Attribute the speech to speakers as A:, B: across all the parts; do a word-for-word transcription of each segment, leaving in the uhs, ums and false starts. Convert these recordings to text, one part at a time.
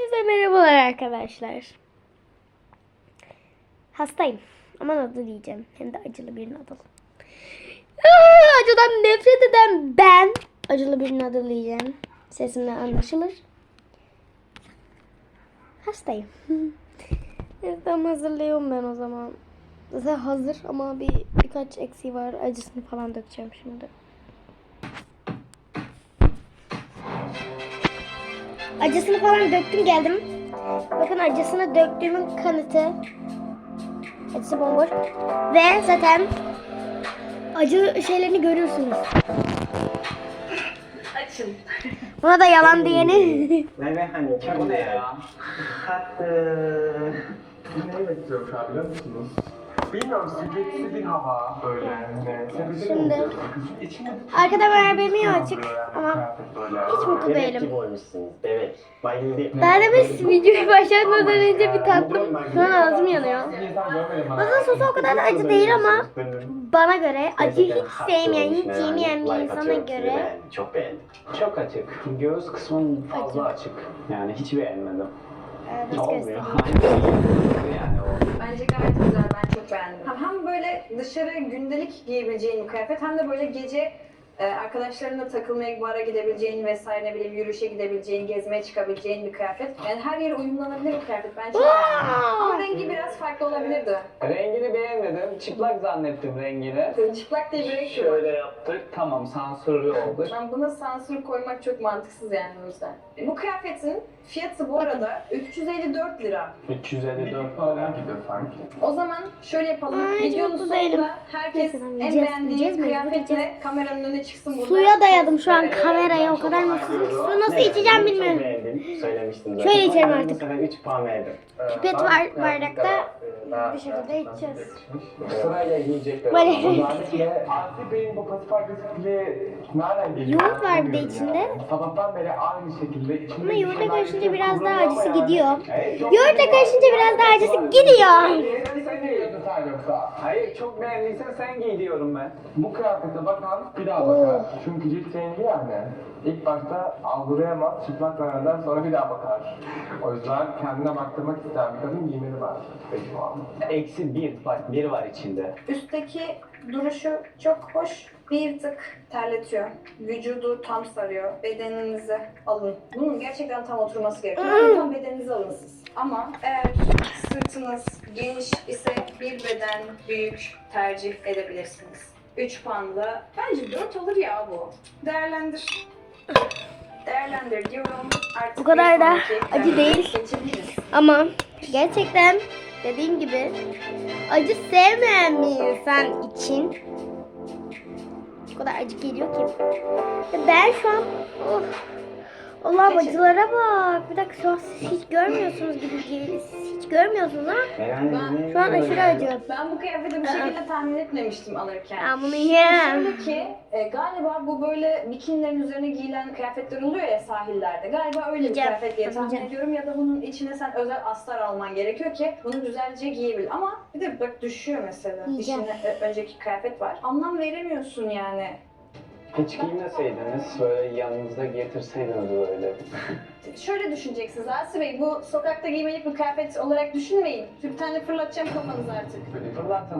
A: Hepinize merhabalar arkadaşlar. Hastayım ama nadıl yiyeceğim. Hem de acılı bir nadıl. Aa, acıdan nefret eden ben acılı bir nadıl yiyeceğim. Sesimden anlaşılır. Hastayım. Tamam, hazırlıyorum ben o zaman. Zaten hazır ama bir birkaç eksiği var. Acısını falan dökeceğim şimdi. Acısını falan döktüm geldim. Bakın acısını döktüğümün kanıtı. Acısı bomboş. Ve zaten acı şeylerini görüyorsunuz.
B: Açın.
A: Buna da yalan diyeni.
C: Merve hani
B: Bu ne ya?
C: tatlı.
D: Neyi bekliyorum şu an biliyor musunuz? Bilmiyorum, sürekli bir hava böyle. Yani,
A: Şimdi arkada Merve'mi açık ama hiç mutlu
C: Bebek
A: değilim.
C: gibi olmuşsunuz. Bebek. Bayıldım.
A: Ben de bir videoyu başlatmadan önce bir tattım. Şu an ağzım yanıyor. Aslında sosu o kadar acı değil ama bana göre acı hiç sevmeyen, hiç yemeyen bir insana göre
C: Çok beğendim.
B: Çok açık. Göğüs kısmın fazla açık. Yani hiç beğenmedim.
A: evet, hiç
B: Olmuyor.
A: göstereyim.
B: Yani o.
E: Bence gayet güzel, ben çok beğendim. Hem, hem böyle dışarı gündelik giyebileceğin bir kıyafet hem de böyle gece e, arkadaşlarınla takılmaya, bara gidebileceğin vesaire, ne bileyim yürüyüşe gidebileceğin, gezmeye çıkabileceğin bir kıyafet. Yani her yere uyumlanabilir bir kıyafet. Ben çok beğendim. Ama rengi biraz farklı olabilirdi.
B: Rengini beğenmedim. Çıplak zannettim rengini.
E: Çıplak diye bir renk yok.
B: Şöyle yaptık. Tamam, sansürlü oldu.
E: Ben buna sansür koymak çok mantıksız yani o yüzden. Bu kıyafetin fiyatı bu arada üç yüz elli dört lira.
B: üç yüz elli dört
D: Hala
B: falan.
D: gibi sanki.
E: O zaman şöyle yapalım.
A: Ay, hiç
E: Videonun
A: mutlu değilim.
E: sonunda herkes
A: Neyse,
E: en
A: yiyeceğiz,
E: beğendiği
A: yiyeceğiz, mecbur
E: kıyafetle
A: yiyeceğiz.
E: kameranın önüne çıksın burada.
A: Suya dayadım şu an kameraya, o kadar mutsuzum. Su nasıl içeceğim
C: Çok
A: bilmiyorum.
C: beğendim. Söylemiştim zaten.
A: Şöyle içerim
C: Ben
A: artık.
C: Bu sefer üç puan verdim.
A: Pipet
D: Ben
A: var
D: birazcık
A: bardakta.
D: daha, e,
A: Bir şekilde
D: daha
A: içeceğiz.
D: yetişmiş.
C: Sırayla yiyecekler.
A: Böyle.
D: Özellikle Asi Bey'in bu pasif agresifliği nereden geliyor?
A: Yoğurt var bir de
D: Anlamıyorum
A: içinde.
D: yani. Sabahtan beri aynı şekilde içinde
A: Ama
D: bir
A: yoğurtla
D: şeyler
A: karışınca
D: yapıyor,
A: biraz daha
D: kullanıyor
A: acısı
D: ama
A: gidiyor.
D: yani.
C: Evet, çok
A: Yoğurtla karışınca biraz daha acısı gidiyor.
D: Sen ne yiyorsun sen yoksa?
B: Hayır, çok beğendiysen sen giy diyorum ben.
D: Bu kıyafete bakan bir daha
A: Oo.
D: bakar. Çünkü cilt rengi yani. İlk başta algılayamaz, çıplak zanneder, sonra bir daha bakar. O yüzden kendine baktırmak isteyen bir kadın giymeli var. Peki şu an.
B: Eksi bir. Bak bir var içinde.
E: Üstteki duruşu çok hoş. Bir tık terletiyor. Vücudu tam sarıyor. Bedeninizi alın. Bunun gerçekten tam oturması gerekiyor. Yani tam bedeninizi alın siz. Ama eğer sırtınız geniş ise bir beden büyük tercih edebilirsiniz. üç puanla bence dört olur ya bu. Değerlendir. Değerlendir diyorum. Artık
A: Bu kadar
E: bir
A: da
E: sonraki
A: acı değil.
E: geçebiliriz.
A: Ama gerçekten dediğim gibi acı sevmeyen bir insan için o kadar acı geliyor ki. Ve ben şu an oh, Allah'ım acılara bak. Bir dakika, şu an siz hiç görmüyorsunuz gibi geliyor. Siz hiç görmüyorsunuz ama
E: Ben-
A: şu an aşırı acı.
E: Ben bu kıyafeti bu şekilde tahmin etmemiştim alırken.
A: Ben bunu yiyemem.
E: Şöyle ki e, galiba bu böyle bikinilerin üzerine giyilen kıyafetler oluyor ya sahillerde. Galiba öyle bir
A: Yiyeceğim,
E: kıyafet diye tahmin
A: yiyeceğim.
E: ediyorum ya da bunun içine sen özel astar alman gerekiyor ki bunu güzelce giyebil. Ama bir de bak düşüyor mesela.
A: Yiyeceğim.
E: İçine e, önceki kıyafet var. Anlam veremiyorsun yani.
B: Hiç giymeseydiniz, böyle yanınızda getirseydiniz böyle.
E: Şöyle düşüneceksiniz Asi Bey, bu sokakta giymelik bir kıyafet olarak düşünmeyin. Bir tane fırlatacağım kafanızı artık.
B: Fırlatın.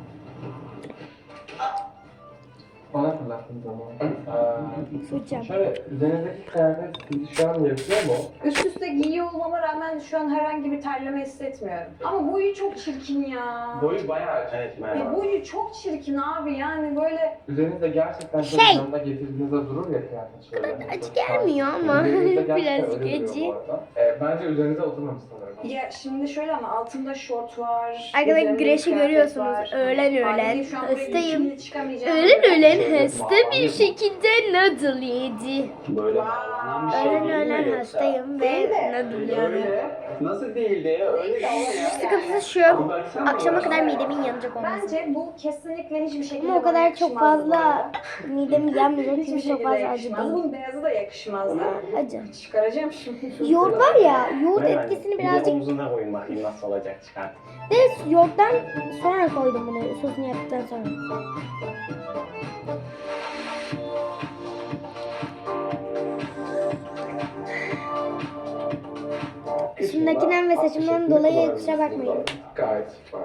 D: Bana fırlattığın zaman.
A: Su içeceğim.
D: Ee, şöyle, üzerinizdeki kıyafet sizi şu an yapıyor mu?
E: Üst üste giyiyor olmama rağmen şu an herhangi bir terleme hissetmiyorum. Ama boyu çok çirkin ya.
D: Boyu bayağı açık.
C: Evet,
E: Ya
C: merhaba.
E: boyu çok çirkin abi, yani böyle
D: Üzerinizde gerçekten çok
A: Şey.
D: yanında getirdiğinizde durur ya kıyafet şöyle.
A: Acı gelmiyor ama
D: Üzerinizde gerçekten
A: birazcık
D: öyle duruyor
A: acı.
D: bu arada. Ee, bence üzerinize oturmamış sanırım.
E: ya şimdi şöyle ama altımda şort var.
A: Arkada
E: üzerimde bir
A: güreşi
E: kıyafet
A: görüyorsunuz.
E: var.
A: Öğlen öğlen.
E: Haliyle şu an buraya
A: Hastayım.
E: bikinili çıkamayacağım.
A: Öğlen öğlen
B: Şöyle
A: hasta bir şekilde noodle yedi.
B: Böyle
E: Wow.
B: bağlanan bir şey
A: Öğlen
B: değil mi
A: öğlen
B: yoksa?
A: hastayım ve
E: Değil de.
A: noodle yiyorum.
B: Öyle. Nasıl değildi ya? Öyle de ama ya.
A: Sıkıntısı şu.
B: Baksana
A: Akşama
B: ya.
A: kadar midemin yanacak olması.
E: Bence bu kesinlikle hiçbir şekilde
A: Ama o kadar
E: bana
A: çok
E: yakışmazdı bu
A: fazla
E: arada.
A: midemi yanmayacak
E: Hiçbir
A: çünkü çok
E: şekilde
A: fazla acı
E: yakışmaz.
A: değil.
E: Bunun beyazı da yakışmazdı.
A: Acı.
E: Çıkaracağım şimdi.
A: Yoğurt var ya, yoğurt
C: Merhaba.
A: etkisini
C: Bir de
A: birazcık
C: omzuna koyun bakayım nasıl olacak çıkar.
A: de yoğurttan sonra koydum bunu sosunu yaptıktan sonra. Saçımdakinden ve saçımdan dolayı kusura bakmayın.
D: Gayet var.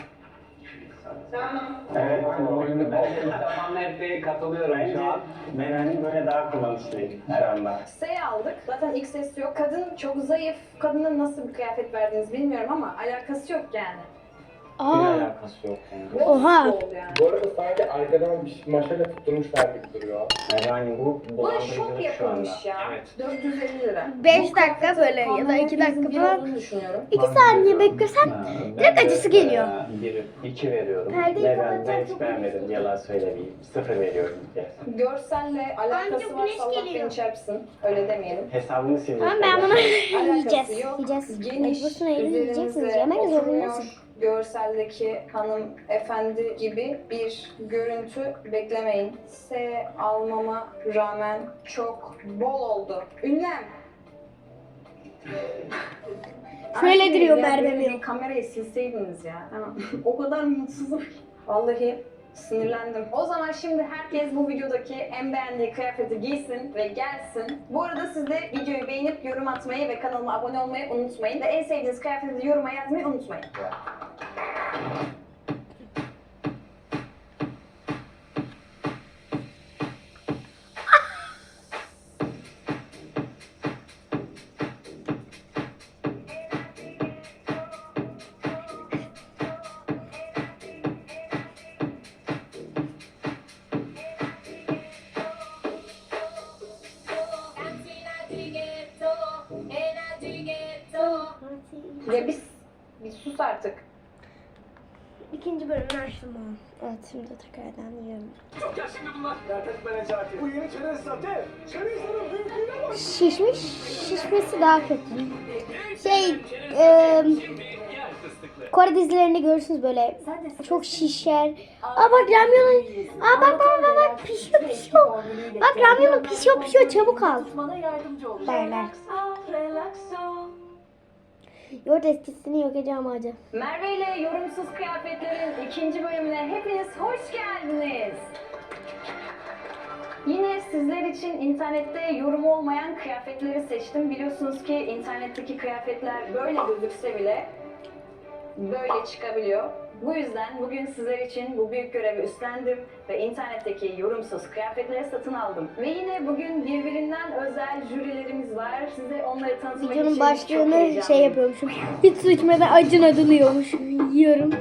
C: Evet.
B: Ben de zamanla hep katılıyorum
C: Bence
B: şu an.
C: Meren'in böyle daha kullanışlıyım şu anda.
E: S aldık. Zaten ilk ses yok. Kadın çok zayıf. Kadına nasıl bir kıyafet verdiğinizi bilmiyorum ama alakası yok yani.
C: Bir
A: Aa,
C: alakası yok yani.
A: Oha.
E: Oldu yani.
D: Bu arada sanki arkadan bir maşayla tutturmuşlar gibi duruyor.
C: Meren bu
E: Buna şok
C: dolandırıcılık şu anda.
E: yapılmış ya.
B: Evet.
E: dört yüz elli lira.
A: beş dakika böyle ya da
E: Tamamen
A: iki dakika
E: hepimizin bir
A: falan.
E: olduğunu düşünüyorum.
A: iki saniye beklesem
B: Ha, ben
A: direkt
B: de,
A: acısı geliyor.
B: e, Bir, iki veriyorum.
A: Perdeyi
C: Neden? Ben
A: kapatacağım,
C: hiç
A: çok
C: beğenmedim. Yalan söylemeyeyim. Sıfır veriyorum. Yes.
E: Görselle alakası
A: Amca,
E: varsa
A: güneş
E: Allah
A: geliyor.
E: beni çarpsın. Öyle demeyelim.
C: Hesabını sildim.
A: Tamam ben bunu
E: Alakası
A: yiyeceğiz.
E: yok.
A: Yiyeceğiz.
E: Geniş,
A: Mecbursun öyle yiyeceksiniz.
E: üzerinize
A: Yemek
E: oturmuyor.
A: zorundasın.
E: Görseldeki hanımefendi gibi bir görüntü beklemeyin. S almama rağmen çok bol oldu. Ünlem.
A: Şöyle
E: Ay,
A: duruyor
E: ya
A: Merve
E: böyle
A: Miro.
E: bir Kamerayı silseydiniz ya. Tamam. O kadar mutsuzum. Vallahi sinirlendim. O zaman şimdi herkes bu videodaki en beğendiği kıyafeti giysin ve gelsin. Bu arada siz de videoyu beğenip yorum atmayı ve kanalıma abone olmayı unutmayın. Ve en sevdiğiniz kıyafeti yoruma yazmayı unutmayın. Ya biz bir sus artık.
A: İkinci bölümünü açtım ama. Evet şimdi tekrardan yiyorum. Şişmiş, şişmesi daha kötü. Şey, e, Kore dizilerinde görürsünüz böyle çok şişer. Aa bak ramyonun, aa bak bak bak bak pişiyor pişiyor. Bak ramyonun pişiyor pişiyor çabuk al. Derler. Yoğurt eskisini yok edeceğim acı.
E: Merve ile Yorumsuz Kıyafetlerin ikinci bölümüne hepiniz hoş geldiniz. Yine sizler için internette yorum olmayan kıyafetleri seçtim. Biliyorsunuz ki internetteki kıyafetler böyle gözükse bile böyle çıkabiliyor. Bu yüzden bugün sizler için bu büyük görevi üstlendim ve internetteki yorumsuz kıyafetleri satın aldım. Ve yine bugün birbirinden özel jürilerimiz var. Size onları tanıtmak için
A: Videonun
E: çok
A: başlığını
E: heyecanlıyım.
A: şey yapıyormuşum. Hiç su içmeden acın adılıyormuş. Yiyorum.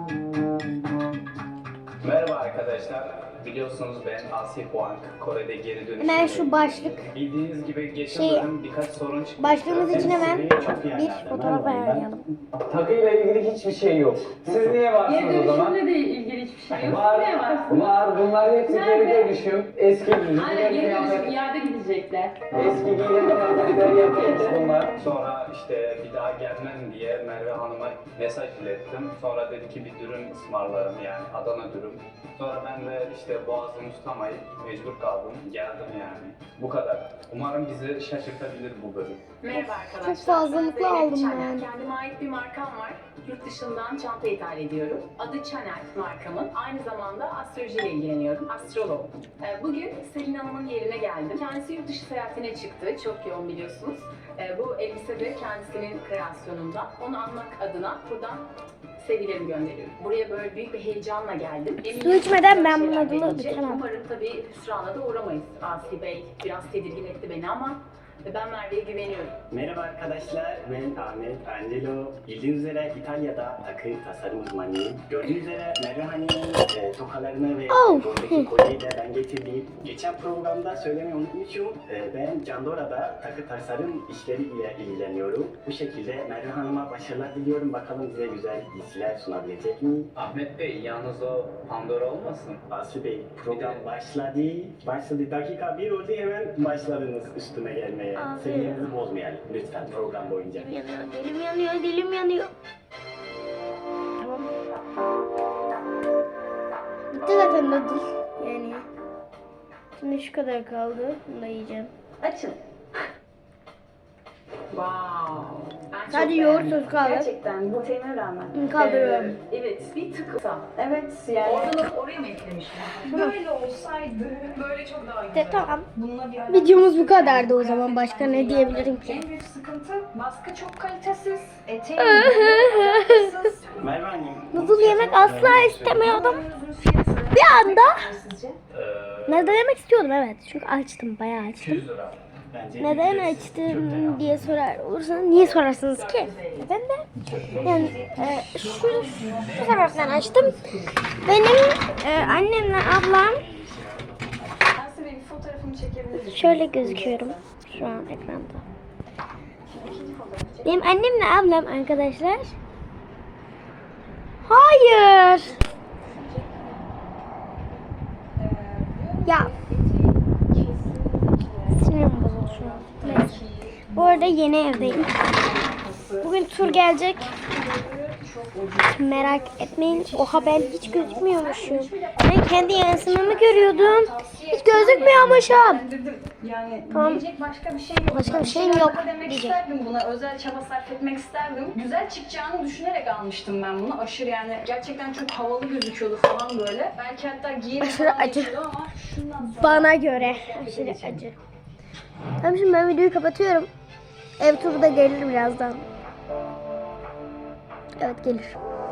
B: Merhaba arkadaşlar. Biliyorsunuz ben Asi Huang. Kore'de geri dönüşüm.
A: Hemen şu başlık.
B: Bildiğiniz gibi geçen
A: Şey,
B: bölüm birkaç sorun çıktı.
A: Başlığımız için hemen
C: Çok iyi
A: bir
C: yerlerde.
A: fotoğraf
C: Ben-
A: ayarlayalım.
C: Takıyla ilgili hiçbir şey yok. Siz niye varsınız o zaman?
F: Geri de ilgili hiçbir şey yok.
C: Var,
F: Ne var?
C: var. Bunlar hepsi geri
F: Nerede?
C: dönüşüm. Eski
F: Aynen
C: düzgün
F: geri dönüşüm
C: kıyafet.
F: iade gidecekler.
C: Eski giyinen kıyafetleri yapıyoruz bunlar.
B: Sonra işte bir daha gelmem diye Merve Hanım'a mesaj ilettim. Sonra dedi ki bir dürüm ısmarlarım yani Adana dürüm. Sonra ben de işte boğazımı tutamayıp mecbur kaldım. Geldim yani. Bu kadar. Umarım bizi şaşırtabilir bu bölüm.
F: Merhaba arkadaşlar.
A: Çok fazlalıklı
F: Ben Zeynep
A: aldım
F: Çaner.
A: ben.
F: Kendime ait bir markam var. Yurt dışından çanta ithal ediyorum. Adı Çaner markamın. Aynı zamanda astrolojiyle ilgileniyorum. Astrolog. Ee, Bugün Selin Hanım'ın yerine geldim. Kendisi yurt dışı seyahatine çıktı. Çok yoğun biliyorsunuz. Ee, Bu elbise de kendisinin kreasyonunda. Onu anmak adına buradan sevgilerimi gönderiyorum. Buraya böyle büyük bir heyecanla geldim. Eminim
A: Su içmeden
F: güzel
A: ben bunun
F: şeyler
A: adını
F: gelecek.
A: bitiremem.
F: Umarım tabii hüsrana da uğramayız. Asi Bey biraz tedirgin etti beni ama ben Merve'ye güveniyorum.
G: Merhaba arkadaşlar, ben Ahmet Angelo. Bildiğiniz üzere İtalya'da takı tasarım uzmanıyım. Gördüğünüz üzere Merve Hanım'ın e, tokalarını ve
A: Oh.
G: buradaki kolyeyi de ben getirdim. Geçen programda söylemeyi unutmuşum. E, ben Candora'da takı tasarım işleriyle ilgileniyorum. Bu şekilde Merve Hanım'a başarılar diliyorum. Bakalım bize güzel giysiler sunabilecek mi?
B: Ahmet Bey yalnız o Pandora olmasın?
G: Aslı Bey, program
B: Bir de-
G: başladı. Başladı. Dakika bir oldu hemen başladınız üstüme gelmeye.
A: Abi.
G: Seviyenizi bozmayalım lütfen program boyunca.
A: Dilim yanıyor, dilim yanıyor, dilim yanıyor. Tamam. Bitti zaten noodle. Yani. Şimdi şu kadar kaldı. Bunu da yiyeceğim.
F: Açın. Wow. çok
A: Sadece
F: beğendim.
A: yoğurt kaldı.
E: Gerçekten glutenine rağmen.
A: Kaldırıyorum.
F: Ee, evet, bir tık kısa.
E: Evet yani.
F: Oradan oraya mı eklemişler?
E: Böyle olsaydı
F: Böyle çok daha
A: De,
F: güzel.
A: tamam.
E: bununla bir alakası
A: Videomuz bu
E: yok.
A: kadardı o zaman. Başka ne diyebilirim ki?
E: En büyük sıkıntı baskı çok kalitesiz. Eteğin alakasız.
G: Merve Hanım.
A: Noodle yemek asla istemiyordum. Bir anda
E: Sizce?
B: Ee,
A: neden yemek istiyordum, evet. Çünkü açtım, bayağı açtım.
B: iki yüz lira.
G: Bence
A: Neden
G: ücretsiz
A: açtım
G: köfte
A: diye sorar olursanız, niye sorarsınız ki? Neden de? Yani e, şu, şu sebepten açtım. Benim e, annemle ablam,
E: Aslı Bey bir fotoğrafımı çekebilir misiniz?
A: şöyle gözüküyorum şu an ekranda. Benim annemle ablam arkadaşlar. Hayır. Ya. Sinirim bozuldu şu an. Neyse. Bu arada yeni evdeyim. Bugün tur gelecek. Merak etmeyin. Oha, ben hiç gözükmüyormuşum. Ben kendi yansımamı görüyordum. Hiç gözükmüyormuşum.
E: Dedim yani
A: Tamam.
E: diyecek başka bir şey yok.
A: Başka bir
E: şeyler
A: şeyim yok
E: daha demek
A: diyecek.
E: isterdim buna. Özel çaba sarf etmek isterdim. Güzel çıkacağını düşünerek almıştım ben bunu. Aşırı yani gerçekten çok havalı gözüküyordu falan böyle. Belki hatta giyeri
A: Aşırı
E: falan
A: acı.
E: geçiyordu ama şundan sonra...
A: Bana göre aşırı acı. Tamam, şimdi ben videoyu kapatıyorum. Ev turu da gelir birazdan. Evet, gelir.